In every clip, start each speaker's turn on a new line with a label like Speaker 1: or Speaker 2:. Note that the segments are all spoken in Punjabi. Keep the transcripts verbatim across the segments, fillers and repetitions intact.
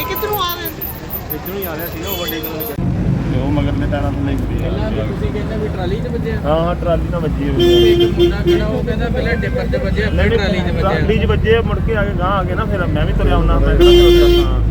Speaker 1: ਕਿੱਧਰੋਂ ਆ ਰਹੇ
Speaker 2: ਇੱਧਰੋਂ ਹੀ ਆ ਰਿਹਾ ਸੀਗਾ ਵੱਡੇ ਕੋਲ ਉਹ ਮਗਰਲੇ ਟਾਇਰਾਂ ਤੋਂ ਨਹੀਂ ਪਈ
Speaker 3: ਪਹਿਲਾਂ ਵੀ ਤੁਸੀਂ ਕਹਿੰਦੇ ਵੀ ਟਰਾਲੀ 'ਚ ਵੱਜਿਆ।
Speaker 2: ਹਾਂ ਹਾਂ ਟਰਾਲੀ ਨਾਲ ਵੱਜੀ ਹੋਈ
Speaker 3: ਇੱਕ ਮੁੰਡਾ ਖੜਾ ਉਹ ਕਹਿੰਦਾ ਪਹਿਲਾਂ ਟਿੱਪਰ 'ਚ ਵੱਜਿਆ ਫਿਰ ਟਰਾਲੀ 'ਚ ਵੱਜਿਆ।
Speaker 2: ਟਰਾਲੀ 'ਚ ਵੱਜੇ ਮੁੜ ਕੇ ਆ ਕੇ ਗਾਂ ਆ ਗਏ ਨਾ ਫਿਰ ਮੈਂ ਵੀ ਤੁਰਿਆ ਹੁੰਦਾ ਮੈਂ ਕਿਹੜਾ ਹਾਂ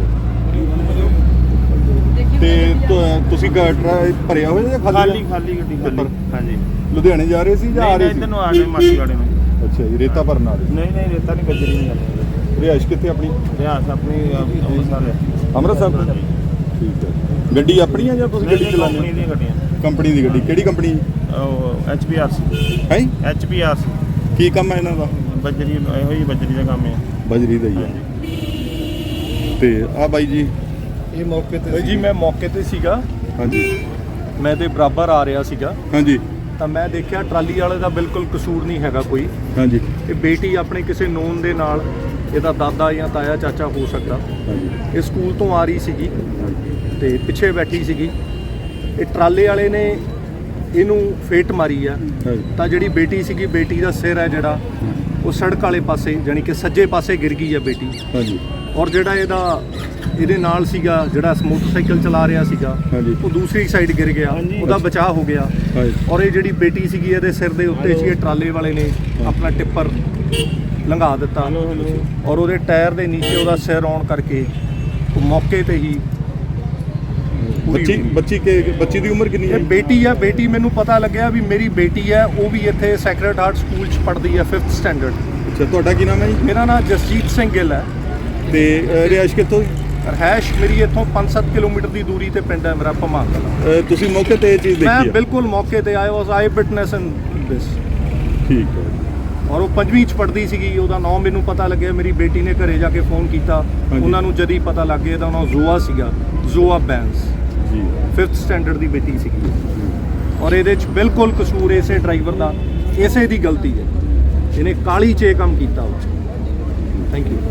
Speaker 4: ਤੇ ਤੁ- ਤੁਸੀਂ ਗਾਟਰਾ ਭਰਿਆ ਹੋਇਆ ਜਾਂ
Speaker 2: ਖਾਲੀ
Speaker 4: ਖਾਲੀ
Speaker 2: ਖਾਲੀ ਗੱਡੀ ਖਾਲੀ ਹਾਂਜੀ
Speaker 4: ਲੁਧਿਆਣੇ ਜਾ ਰਹੇ ਸੀ ਜਾਂ ਆ ਰਹੇ ਸੀ?
Speaker 2: ਇੱਧਰ ਨੂੰ ਆ ਗਏ ਮਾਸੀ ਵਾਲੇ ਨੂੰ।
Speaker 4: ਅੱਛਾ ਜੀ, ਰੇਤਾ ਭਰਨ ਆ ਰਹੇ
Speaker 2: ਨਹੀਂ ਨਹੀਂ ਰੇਤਾ ਨਹੀਂ ਗੱਜਰੀ ਨਹੀਂ ਜਾਂਦੀ
Speaker 4: ਰਿਹਾਇਸ਼ ਕਿੱਥੇ ਆਪਣੀ?
Speaker 2: ਰਿਆਸ ਆਪਣੀ ਅੰਮ੍ਰਿਤਸਰ ਹੈ
Speaker 4: ਅੰਮ੍ਰਿਤਸਰ ਤੋਂ? ਠੀਕ ਹੈ। ਗੱਡੀ ਆਪਣੀ ਆ ਜਾਂ ਤੁਸੀਂ ਗੱਡੀ ਚਲਾਉਂਦੇ
Speaker 2: ਕੰਪਨੀ ਦੀਆਂ ਗੱਡੀਆਂ
Speaker 4: ਕੰਪਨੀ ਦੀ ਗੱਡੀ? ਕਿਹੜੀ ਕੰਪਨੀ
Speaker 2: ਉਹ ਐਚ ਪੀ ਆਰ ਸੀ
Speaker 4: ਹੈ?
Speaker 2: ਐਚ ਪੀ ਆਰ ਸੀ
Speaker 4: ਕੀ ਕੰਮ ਹੈ ਇਹਨਾਂ ਦਾ?
Speaker 2: ਬੱਜਰੀ ਇਹੋ ਹੀ ਬੱਜਰੀ ਦਾ ਕੰਮ ਹੈ।
Speaker 4: ਬਜਰੀ ਦਾ ਹੀ ਹੈ। ਤੇ ਆ ਬਾਈ ਜੀ
Speaker 5: ਇਹ ਮੌਕੇ ਤੇ ਜੀ ਮੈਂ ਮੌਕੇ ਤੇ ਸੀਗਾ।
Speaker 4: ਹਾਂਜੀ
Speaker 5: ਮੈਂ ਤੇ ਬਰਾਬਰ ਆ ਰਿਹਾ ਸੀਗਾ
Speaker 4: ਹਾਂਜੀ
Speaker 5: ਤਾਂ ਮੈਂ ਦੇਖਿਆ ਟਰਾਲੀ ਵਾਲੇ ਦਾ ਬਿਲਕੁਲ ਕਸੂਰ ਨਹੀਂ ਹੈਗਾ ਕੋਈ।
Speaker 4: ਹਾਂਜੀ
Speaker 5: ਇਹ ਬੇਟੀ ਆਪਣੇ ਕਿਸੇ ਨੋਨ ਦੇ ਨਾਲ, ਇਹਦਾ ਦਾਦਾ ਜਾਂ ਤਾਇਆ ਚਾਚਾ ਹੋ ਸਕਦਾ,
Speaker 4: ਹਾਂਜੀ
Speaker 5: ਇਹ ਸਕੂਲ ਤੋਂ ਆ ਰਹੀ ਸੀਗੀ ਤੇ ਪਿੱਛੇ ਬੈਠੀ ਸੀਗੀ। ਇਹ ਟਰਾਲੇ ਵਾਲੇ ਨੇ ਇਹਨੂੰ ਫੇਟ ਮਾਰੀ ਆ
Speaker 4: ਹਾਂਜੀ
Speaker 5: ਤਾਂ ਜਿਹੜੀ ਬੇਟੀ ਸੀਗੀ, ਬੇਟੀ ਦਾ ਸਿਰ ਹੈ ਜਿਹੜਾ ਉਹ ਸੜਕ ਵਾਲੇ ਪਾਸੇ ਯਾਨੀ ਕਿ ਸੱਜੇ ਪਾਸੇ ਗਿਰ ਗਈ ਆ ਬੇਟੀ।
Speaker 4: ਹਾਂਜੀ
Speaker 5: ਔਰ ਜਿਹੜਾ ਇਹਦਾ ਇਹਦੇ ਨਾਲ ਸੀਗਾ ਜਿਹੜਾ ਮੋਟਰਸਾਈਕਲ ਚਲਾ ਰਿਹਾ ਸੀਗਾ
Speaker 4: ਹਾਂਜੀ
Speaker 5: ਉਹ ਦੂਸਰੀ ਸਾਈਡ ਗਿਰ ਗਿਆ, ਉਹਦਾ ਬਚਾਅ ਹੋ ਗਿਆ।
Speaker 4: ਹਾਂਜੀ
Speaker 5: ਔਰ ਇਹ ਜਿਹੜੀ ਬੇਟੀ ਸੀਗੀ ਇਹਦੇ ਸਿਰ ਦੇ ਉੱਤੇ ਸੀ, ਇਹ ਟਰਾਲੇ ਵਾਲੇ ਨੇ ਆਪਣਾ ਟਿੱਪਰ ਲੰਘਾ ਦਿੱਤਾ ਔਰ ਉਹਦੇ ਟਾਇਰ ਦੇ ਨੀਚੇ ਉਹਦਾ ਸਿਰ ਆਉਣ ਕਰਕੇ ਉਹ ਮੌਕੇ ਤੇ ਹੀ ਪੂਰੀ
Speaker 4: ਬੱਚੀ
Speaker 5: ਹੋ ਗਈ।
Speaker 4: ਬੱਚੀ ਕੇ ਬੱਚੀ ਦੀ ਉਮਰ ਕਿੰਨੀ ਹੈ?
Speaker 5: ਇਹ ਬੇਟੀ ਆ, ਬੇਟੀ ਮੈਨੂੰ ਪਤਾ ਲੱਗਿਆ ਵੀ ਮੇਰੀ ਬੇਟੀ ਹੈ, ਉਹ ਵੀ ਇੱਥੇ ਸੈਕਰਡ ਹਾਰਟ ਸਕੂਲ 'ਚ ਪੜ੍ਹਦੀ ਹੈ ਫਿਫਥ ਸਟੈਂਡਰਡ।
Speaker 4: ਅੱਛਾ, ਤੁਹਾਡਾ ਕੀ ਨਾਮ ਹੈ ਜੀ?
Speaker 5: ਮੇਰਾ ਨਾਮ ਜਸਜੀਤ ਸਿੰਘ ਗਿੱਲ ਹੈ
Speaker 4: ਤੇ ਅ, ਰਿਹਾਇਸ਼ ਕਿੱਥੋਂ?
Speaker 5: ਰਹਿਸ਼ ਮੇਰੀ ਇੱਥੋਂ ਪੰਜ ਸੱਤ ਕਿਲੋਮੀਟਰ ਦੀ ਦੂਰੀ ਤੇ ਪਿੰਡ ਹੈ ਮੇਰਾ ਭਮਾਂ ਕਲਾਂ।
Speaker 4: ਅ, ਤੁਸੀਂ ਮੌਕੇ ਤੇ ਇਹ ਚੀਜ਼
Speaker 5: ਮੈਂ
Speaker 4: ਦੇਖੀ ਹੈ?
Speaker 5: ਬਿਲਕੁਲ ਮੌਕੇ ਤੇ ਆਇਆ ਵਾਸ ਆਈ ਵਿਟਨੈਸ ਇਨ ਦਿਸ।
Speaker 4: ਠੀਕ ਹੈ।
Speaker 5: ਔਰ ਉਹ ਪੰਜਵੀਂ ਚ ਪੜ੍ਹਦੀ ਸੀਗੀ, ਉਹਦਾ ਨਾਮ ਮੈਨੂੰ ਪਤਾ ਲੱਗਿਆ, ਮੇਰੀ ਬੇਟੀ ਨੇ ਘਰੇ ਜਾ ਕੇ ਫੋਨ ਕੀਤਾ, ਉਹਨਾਂ ਨੂੰ ਜਦ ਹੀ ਪਤਾ ਲੱਗ ਗਿਆ ਇਹਦਾ ਨਾਮ ਜ਼ੋਆ ਸੀਗਾ, ਜ਼ੋਆ ਬੈਂਸ,
Speaker 4: ਜੀ
Speaker 5: ਫਿਫਥ ਸਟੈਂਡਰਡ ਦੀ ਬੇਟੀ ਸੀਗੀ। ਔਰ ਇਹਦੇ ਚ ਬਿਲਕੁਲ ਕਸੂਰ ਇਸੇ ਡਰਾਈਵਰ ਦਾ, ਇਸੇ ਦੀ ਗਲਤੀ ਹੈ, ਇਹਨੇ ਕਾਲੀ 'ਚ ਇਹ ਕੰਮ ਕੀਤਾ ਵਾ। Thank you.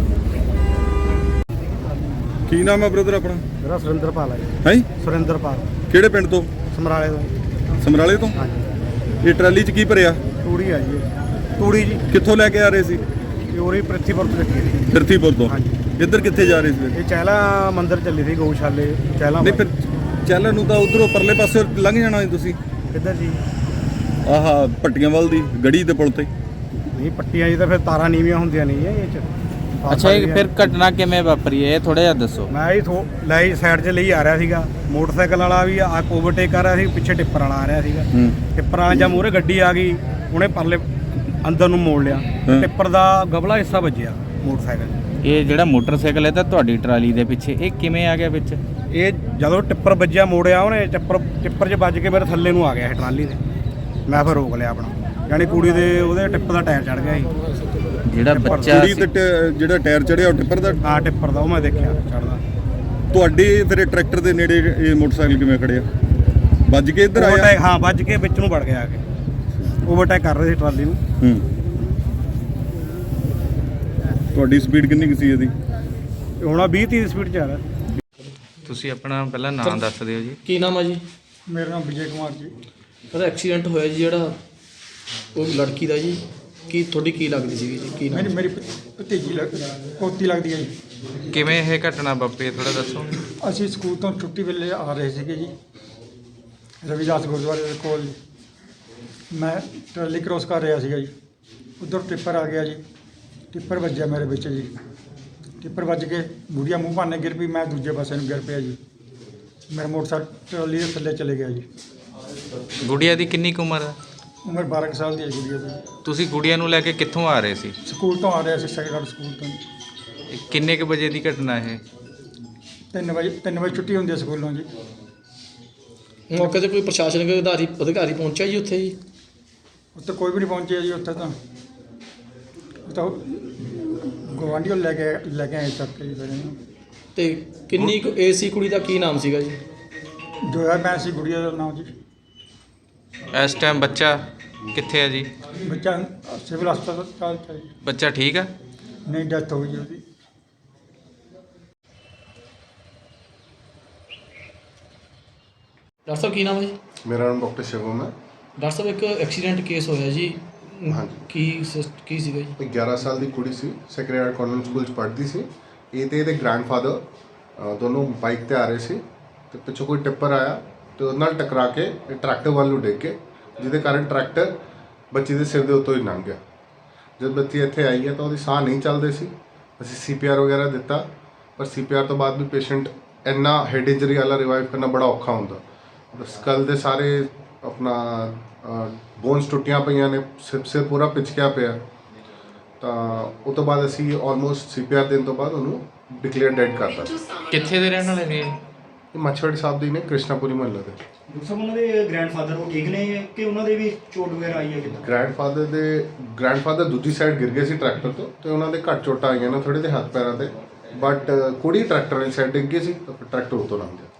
Speaker 4: ਕੀ ਨਾਮ ਹੈ ਬ੍ਰਦਰ ਆਪਣਾ?
Speaker 1: ਮੇਰਾ ਸੁਰਿੰਦਰਪਾਲ ਹੈ ਜੀ।
Speaker 4: ਹੈ
Speaker 1: ਸੁਰਿੰਦਰਪਾਲ
Speaker 4: ਕਿਹੜੇ ਪਿੰਡ ਤੋਂ?
Speaker 1: ਸਮਰਾਲੇ ਤੋਂ।
Speaker 4: ਸਮਰਾਲੇ ਤੋਂ?
Speaker 1: ਹਾਂਜੀ
Speaker 4: ਇਹ ਟਰਾਲੀ 'ਚ ਕੀ ਭਰਿਆ?
Speaker 1: ਤੂੜੀ ਆ ਜੀ, ਤੂੜੀ ਜੀ।
Speaker 4: ਕਿੱਥੋਂ ਲੈ ਕੇ ਆ ਰਹੇ ਸੀ?
Speaker 1: ਇਹ ਉਰੇ ਪ੍ਰਿਥੀਪੁਰ ਤੋਂ ਲੱਗੀ ਸੀ।
Speaker 4: ਫਿਰਤੀਪੁਰ ਤੋਂ?
Speaker 1: ਹਾਂਜੀ।
Speaker 4: ਇੱਧਰ ਕਿੱਥੇ ਜਾ ਰਹੇ ਸੀ?
Speaker 1: ਇਹ ਚਹਿਲਾ ਮੰਦਿਰ ਚੱਲੀ ਸੀ, ਗਊਸ਼ਾਲੇ ਚਹਿਲਾ।
Speaker 4: ਨਹੀਂ ਫਿਰ ਚੱਲਣ ਨੂੰ ਤਾਂ ਉਧਰੋਂ ਪਰਲੇ ਪਾਸੇ ਲੰਘ ਜਾਣਾ ਸੀ ਤੁਸੀਂ।
Speaker 1: ਕਿੱਧਰ ਜੀ?
Speaker 4: ਆਹਾ ਪੱਟੀਆਂ ਵੱਲ ਦੀ ਗੜੀ ਦੇ ਪੁਲ ਤੇ।
Speaker 1: ਨਹੀਂ ਪੱਟੀਆਂ ਜੀ ਤਾਂ ਫਿਰ ਤਾਰਾਂ ਨੀਵੀਆਂ ਹੁੰਦੀਆਂ ਨਹੀਂ ਇਹ ਚ।
Speaker 3: ਅੱਛਾ ਇਹ ਫਿਰ ਘਟਨਾ ਕਿਵੇਂ ਵਾਪਰੀ ਹੈ ਇਹ ਥੋੜਾ ਜਿਹਾ ਦੱਸੋ।
Speaker 1: ਮੈਂ ਹੀ ਥੋ ਲਈ ਸਾਈਡ 'ਚ ਲਈ ਆ ਰਿਹਾ ਸੀਗਾ, ਮੋਟਰਸਾਈਕਲ ਵਾਲਾ ਵੀ ਆ ਓਵਰਟੇਕ ਕਰ ਰਿਹਾ ਸੀ, ਪਿੱਛੇ ਟਿੱਪਰ ਵਾਲਾ ਆ ਰਿਹਾ ਸੀਗਾ।
Speaker 4: ਹੂੰ
Speaker 1: ਟਿੱਪਰ ਵਾਲਾ ਜਾਂ ਮੂਹਰੇ ਗੱਡੀ ਆ ਗਈ, ਉਹਨੇ ਪਰਲੇ ਅੰਦਰ ਨੂੰ ਮੋੜ ਲਿਆ, ਟਿੱਪਰ ਦਾ ਗਬਲਾ ਹਿੱਸਾ ਵੱਜਿਆ ਮੋਟਰਸਾਈਕਲ 'ਚ।
Speaker 3: ਇਹ ਜਿਹੜਾ ਮੋਟਰਸਾਈਕਲ ਹੈ ਤਾਂ ਤੁਹਾਡੀ ਟਰਾਲੀ ਦੇ ਪਿੱਛੇ ਇਹ ਕਿਵੇਂ ਆ ਗਿਆ ਵਿੱਚ?
Speaker 1: ਇਹ ਜਦੋਂ ਟਿੱਪਰ ਵੱਜਿਆ ਮੋੜਿਆ ਉਹਨੇ, ਟਿੱਪਰ ਟਿੱਪਰ 'ਚ ਵੱਜ ਕੇ ਮੇਰੇ ਥੱਲੇ ਨੂੰ ਆ ਗਿਆ ਇਹ ਟਰਾਲੀ ਦੇ। ਮੈਂ ਫਿਰ ਰੋਕ ਲਿਆ ਆਪਣਾ, ਯਾਨੀ ਕੁੜੀ ਦੇ ਉਹਦੇ ਟਿੱਪ ਦਾ ਟਾਇਰ ਚੜ ਗਿਆ ਸੀ।
Speaker 3: ਜਿਹੜਾ ਬੱਚਾ
Speaker 4: ਕੁੜੀ ਤੇ ਟ- ਜਿਹੜਾ ਟਾਇਰ ਚੜਿਆ ਉਹ ਟਿੱਪਰ ਦਾ?
Speaker 1: ਹਾਂ ਟਿੱਪਰ ਦਾ, ਉਹ ਮੈਂ ਦੇਖਿਆ ਚੜਦਾ।
Speaker 4: ਤੁਹਾਡੇ ਫਿਰ ਇਹ ਟਰੈਕਟਰ ਦੇ ਨੇੜੇ ਇਹ ਮੋਟਰਸਾਈਕਲ ਕਿਵੇਂ ਖੜਿਆ? ਵੱਜ ਕੇ ਇੱਧਰ ਆਇਆ?
Speaker 1: ਓਵਰਟੇਕ, ਹਾਂ ਵੱਜ ਕੇ ਵਿੱਚ ਨੂੰ ਵੜ ਗਿਆ ਆ ਕੇ, ਓਵਰਟੇਕ ਕਰ ਰਹੇ ਸੀ ਟਰਾਲੀ ਨੂੰ।
Speaker 4: ਹੂੰ ਤੁਹਾਡੀ ਸਪੀਡ ਕਿੰਨੀ ਕੁ ਸੀ ਇਹਦੀ?
Speaker 1: ਹੁਣ ਵੀਹ ਤੀਹ ਦੀ ਸਪੀਡ 'ਚ ਆ ਰਿਹਾ।
Speaker 3: ਤੁਸੀਂ ਆਪਣਾ ਪਹਿਲਾਂ ਨਾਮ ਦੱਸ ਦਿਓ ਜੀ।
Speaker 6: ਕੀ ਨਾਮ ਹੈ ਜੀ?
Speaker 1: ਮੇਰਾ ਨਾਮ ਵਿਜੇ ਕੁਮਾਰ ਜੀ।
Speaker 6: ਉਹਦਾ ਐਕਸੀਡੈਂਟ ਹੋਇਆ ਜੀ ਜਿਹੜਾ ਉਹ ਲੜਕੀ ਦਾ ਜੀ, ਕੀ ਤੁਹਾਡੀ ਕੀ ਲੱਗਦੀ ਸੀਗੀ ਜੀ? ਕੀ ਨਾਮ?
Speaker 1: ਮੇਰੀ ਮੇਰੀ ਭਤੀਜੀ ਲੱਗ ਪੋਤੀ ਲੱਗਦੀ ਹੈ ਜੀ।
Speaker 3: ਕਿਵੇਂ ਇਹ ਘਟਨਾ ਵਾਪਰੀ ਥੋੜਾ ਦੱਸੋ।
Speaker 1: ਅਸੀਂ ਸਕੂਲ ਤੋਂ ਛੁੱਟੀ ਵੇਲੇ ਆ ਰਹੇ ਸੀਗੇ ਜੀ, ਰਵਿਦਾਸ ਗੁਰਦੁਆਰੇ ਦੇ ਕੋਲ ਜੀ। ਮੈਂ ਟਰਾਲੀ ਕ੍ਰੋਸ ਕਰ ਰਿਹਾ ਸੀਗਾ ਜੀ, ਉੱਧਰ ਟਿੱਪਰ ਆ ਗਿਆ ਜੀ, ਟਿੱਪਰ ਵੱਜਿਆ ਮੇਰੇ ਵਿੱਚ ਜੀ। ਟਿੱਪਰ ਵੱਜ ਕੇ ਗੁੜੀਆ ਮੂੰਹ ਭਾਨੇ ਗਿਰ ਪਈ, ਮੈਂ ਦੂਜੇ ਪਾਸੇ ਨੂੰ ਗਿਰ ਪਿਆ ਜੀ। ਮੇਰਾ ਮੋਟਰਸਾਈਕਲ ਟਰਾਲੀ ਦੇ ਥੱਲੇ ਚਲੇ ਗਿਆ ਜੀ।
Speaker 3: ਗੁੜੀਆ ਦੀ ਕਿੰਨੀ ਕੁ ਉਮਰ ਹੈ?
Speaker 1: ਉਮਰ ਬਾਰਾਂ ਕੁ ਸਾਲ ਦੀ ਹੈ ਗੁੜੀਆ ਦੀ।
Speaker 3: ਤੁਸੀਂ ਗੁੜੀਆ ਨੂੰ ਲੈ ਕੇ ਕਿੱਥੋਂ ਆ ਰਹੇ ਸੀ?
Speaker 1: ਸਕੂਲ ਤੋਂ ਆ ਰਿਹਾ ਸੀ, ਸੈਕੰਡ ਸਕੂਲ ਤੋਂ।
Speaker 3: ਇਹ ਕਿੰਨੇ ਕੁ ਵਜੇ ਦੀ ਘਟਨਾ ਇਹ?
Speaker 1: ਤਿੰਨ ਵਜੇ ਤਿੰਨ ਵਜੇ ਛੁੱਟੀ ਹੁੰਦੀ ਹੈ ਸਕੂਲੋਂ ਜੀ।
Speaker 6: ਮੌਕੇ ਤੇ ਕੋਈ ਪ੍ਰਸ਼ਾਸਨਿਕ ਅਧਿਕਾਰੀ ਅਧਿਕਾਰੀ ਪਹੁੰਚਿਆ ਜੀ ਉੱਥੇ ਜੀ?
Speaker 1: ਉੱਥੇ ਕੋਈ ਵੀ ਨਹੀਂ ਪਹੁੰਚਿਆ ਜੀ। ਉੱਥੇ ਤਾਂ ਉਹ ਤਾਂ ਗਵਾਂਢੀਓ ਲੈ ਕੇ ਲੈ ਕੇ ਆਏ ਚੱਕ ਕੇ ਜੀ ਫਿਰ ਇਹਨੂੰ।
Speaker 6: ਤੇ ਕਿੰਨੀ ਕੁ ਏਜ ਸੀ ਕੁੜੀ ਦਾ? ਕੀ ਨਾਮ ਸੀਗਾ ਜੀ?
Speaker 1: ਜੋਇਆ ਮੈਂ ਸੀ ਗੁੜੀਆ ਦਾ ਨਾਮ ਜੀ।
Speaker 3: ਇਸ ਟਾਈਮ ਬੱਚਾ ਕਿੱਥੇ ਹੈ ਜੀ?
Speaker 1: ਬੱਚਾ ਸਿਵਲ ਹਸਪਤਾਲ 'ਚ ਹੈ ਜੀ।
Speaker 3: ਬੱਚਾ ਠੀਕ ਆ?
Speaker 1: ਨਹੀਂ, ਡੈਥ ਹੋ ਗਈ ਉਹਦੀ।
Speaker 6: ਡਾਕਟਰ ਸਾਹਿਬ ਕੀ ਨਾਮ ਹੈ ਜੀ?
Speaker 7: ਮੇਰਾ ਨਾਮ ਡਾਕਟਰ ਸ਼ਿਵਮ ਹੈ।
Speaker 6: ਡਾਕਟਰ ਸਾਹਿਬ ਇੱਕ ਐਕਸੀਡੈਂਟ ਕੇਸ ਹੋਇਆ ਜੀ,
Speaker 7: ਹਾਂਜੀ।
Speaker 6: ਕੀ ਸਿਸ- ਕੀ ਸੀਗਾ ਜੀ?
Speaker 7: ਇੱਕ ਗਿਆਰਾਂ ਸਾਲ ਦੀ ਕੁੜੀ ਸੀ, ਸੈਕਰਡ ਹਾਰਟ ਕਾਨਵੈਂਟ ਸਕੂਲ 'ਚ ਪੜ੍ਹਦੀ ਸੀ। ਇਹ ਤੇ ਇਹਦੇ ਗ੍ਰੈਂਡਫਾਦਰ ਅ, ਦੋਨੋਂ ਬਾਈਕ ਤੇ ਆ ਰਹੇ ਸੀ ਤੇ ਪਿੱਛੋਂ ਕੋਈ ਟਿੱਪਰ ਆਇਆ ਤੇ ਉਹਦੇ ਨਾਲ ਟਕਰਾ ਕੇ ਇਹ ਟਰੈਕਟਰ ਵੱਲ ਨੂੰ ਡਿੱਗ ਕੇ, ਜਿਹਦੇ ਕਾਰਨ ਟਰੈਕਟਰ ਬੱਚੀ ਦੇ ਸਿਰ ਦੇ ਉੱਤੋਂ ਹੀ ਲੰਘ ਗਿਆ। ਜਦ ਬੱਚੀ ਇੱਥੇ ਆਈ ਹੈ ਤਾਂ ਉਹਦੀ ਸਾਹ ਨਹੀਂ ਚੱਲਦੇ ਸੀ। ਅਸੀਂ ਸੀ ਪੀ ਆਰ ਵਗੈਰਾ ਦਿੱਤਾ, ਪਰ ਸੀ ਪੀ ਆਰ ਤੋਂ ਬਾਅਦ ਵੀ ਪੇਸ਼ੈਂਟ ਇੰਨਾ ਹੈਡ ਇੰਜਰੀ ਵਾਲਾ ਰਿਵਾਈਵ ਕਰਨਾ ਬੜਾ ਔਖਾ ਹੁੰਦਾ। ਸਕਲ ਦੇ ਸਾਰੇ ਆਪਣਾ ਬੋਨਸ ਟੁੱਟੀਆਂ ਪਈਆਂ ਨੇ, ਸਿਰ ਸਿਰ ਪੂਰਾ ਪਿਚਕਿਆ ਪਿਆ। ਤਾਂ ਉਹ ਤੋਂ ਬਾਅਦ ਅਸੀਂ ਆਲਮੋਸਟ ਸੀ ਪੀ ਆਰ ਦੇਣ ਤੋਂ ਬਾਅਦ ਉਹਨੂੰ ਡਿਕਲੇਅਰ ਡੈਡ ਕਰਤਾ।
Speaker 3: ਕਿੱਥੇ ਦੇ ਰਹਿਣ ਵਾਲੇ ਨੇ ਇਹ?
Speaker 7: ਇਹ ਮੱਛਵਾੜੀ ਸਾਹਿਬ ਦੀ ਨੇ, ਕ੍ਰਿਸ਼ਨਾਪੁਰੀ ਮਹੱਲੇ ਦੇ।
Speaker 8: ਡਾਕਟਰ ਸਾਹਿਬ ਉਹਨਾਂ ਦੇ ਗ੍ਰੈਂਡਫਾਦਰ ਉਹ ਠੀਕ ਨੇ ਕਿ ਉਹਨਾਂ ਦੇ ਵੀ ਚੋਟ ਵਗੈਰਾ ਆਈ ਹੈ ਕਿੱਦਾਂ?
Speaker 7: ਗ੍ਰੈਂਡਫਾਦਰ ਦੇ ਗ੍ਰੈਂਡਫਾਦਰ ਦੂਜੀ ਸਾਈਡ ਗਿਰ ਗਏ ਸੀ ਟਰੈਕਟਰ ਤੋਂ ਤੇ ਉਹਨਾਂ ਦੇ ਘੱਟ ਚੋਟਾਂ ਆਈਆਂ ਨੇ ਥੋੜੇ ਦੇ ਹੱਥ ਪੈਰਾਂ ਤੇ, ਬਟ ਕੁੜੀ ਟਰੈਕਟਰ ਵਾਲੀ ਸਾਈਡ ਡਿੱਗ ਗਈ ਸੀ ਤਾਂ ਫਿਰ ਟਰੈਕਟਰ ਉੱਤੋਂ ਲੰਘ ਗਿਆ।